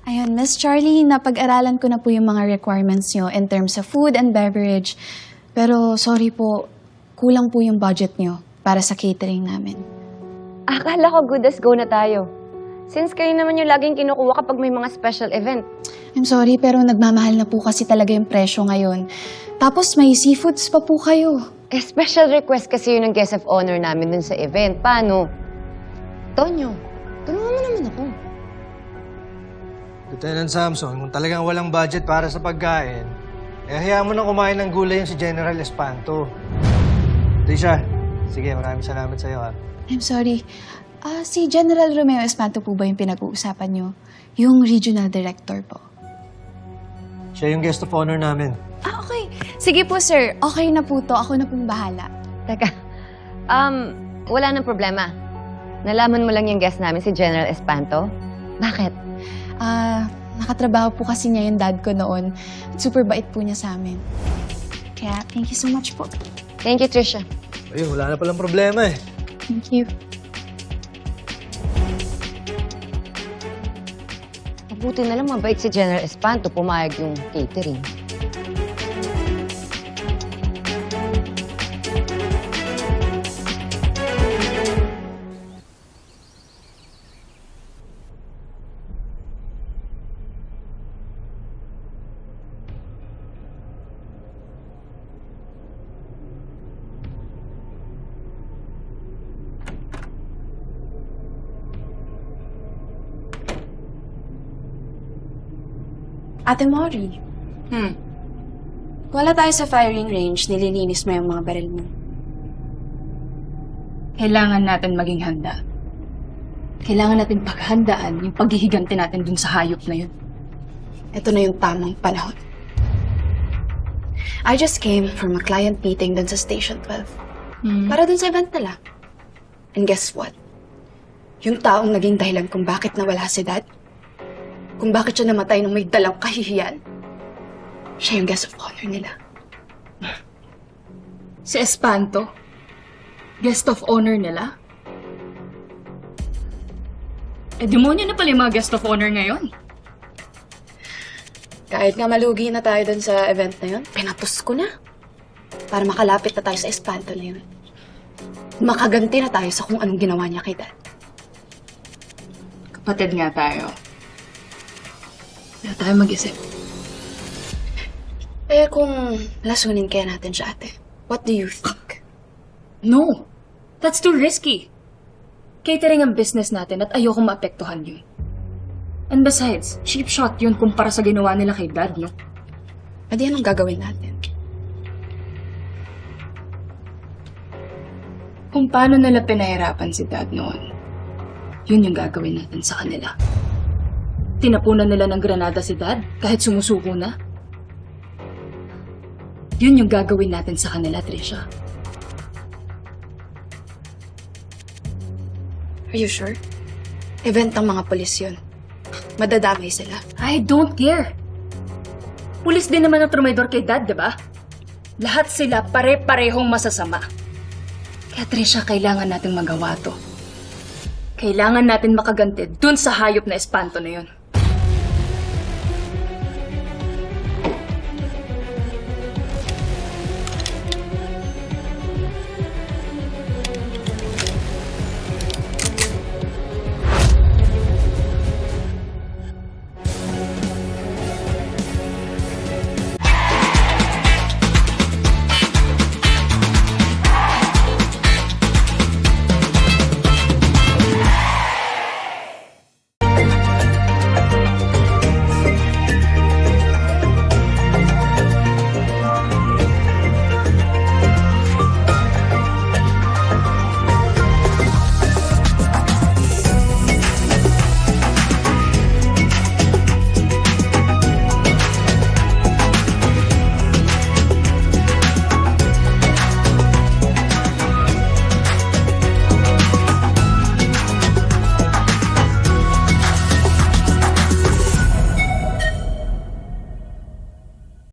Ayun, Miss Charlie, napag-aralan ko na po yung mga requirements nyo in terms of food and beverage. Pero sorry po, kulang po yung budget nyo para sa catering namin. Akala ko good as go na tayo. Since kayo naman yung laging kinukuha kapag may mga special event. I'm sorry, pero nagmamahal na po kasi talaga yung presyo ngayon. Tapos may seafoods pa po kayo. Eh, special request kasi yun ng guest of honor namin dun sa event. Paano? Tonyo, tulungan mo naman ako. Lieutenant Samson, kung talagang walang budget para sa pagkain, hayaan mo na kumain ng gulay yung si General Espanto. Trisha, sige, maraming salamat sa'yo, ha. I'm sorry. Si General Romeo Espanto po ba yung pinag-uusapan nyo? Yung regional director po. Siya yung guest of honor namin. Okay. Sige po, sir. Okay na po to. Ako na pong bahala. Teka, wala nang problema. Nalaman mo lang yung guest namin, si General Espanto? Bakit? Nakatrabaho po kasi niya yung dad ko noon. Super bait po niya sa amin. Kaya, thank you so much po. Thank you, Trisha. Ayun, wala na palang problema eh. Thank you. Mabuti na lang mabait si General Espanto, pumayag yung catering. Ate Mori. Wala tayo sa firing range, nililinis mo yung mga baril mo. Kailangan natin maging handa. Kailangan natin paghandaan yung paghihiganti natin dun sa hayop na yun. Ito na yung tamang panahon. I just came from a client meeting dun sa Station 12. Para dun sa event nila. And guess what? Yung taong naging dahilan kung bakit nawala si Dad, kung bakit siya namatay nung may dalang kahihiyan, siya yung guest of honor nila. Si Espanto? Guest of honor nila? Demonyo na pala yung mga guest of honor ngayon. Kahit nga malugi na tayo dun sa event na yun, pinapos ko na. Para makalapit na tayo sa Espanto na yun. Makaganti na tayo sa kung anong ginawa niya kay Dad. Kapatid nga tayo. Kaya tayo mag-isip. Kung lasunin kaya natin siya, ate, what do you think? No! That's too risky. Catering ang business natin at ayoko maapektuhan yun. And besides, cheap shot yun kumpara sa ginawa nila kay Dad, no? Adi, anong gagawin natin? Kung paano nila pinahirapan si Dad noon, yun yung gagawin natin sa kanila. Tinapunan nila ng granada si Dad kahit sumusuko na. Yun yung gagawin natin sa kanila, Trisha. Are you sure? Event ng mga polis yun. Madadamay sila. I don't care. Pulis din naman ang trumaydor kay Dad, di ba? Lahat sila pare-parehong masasama. Kaya Trisha, kailangan nating magawa to. Kailangan natin makaganti dun sa hayop na Espanto na yun.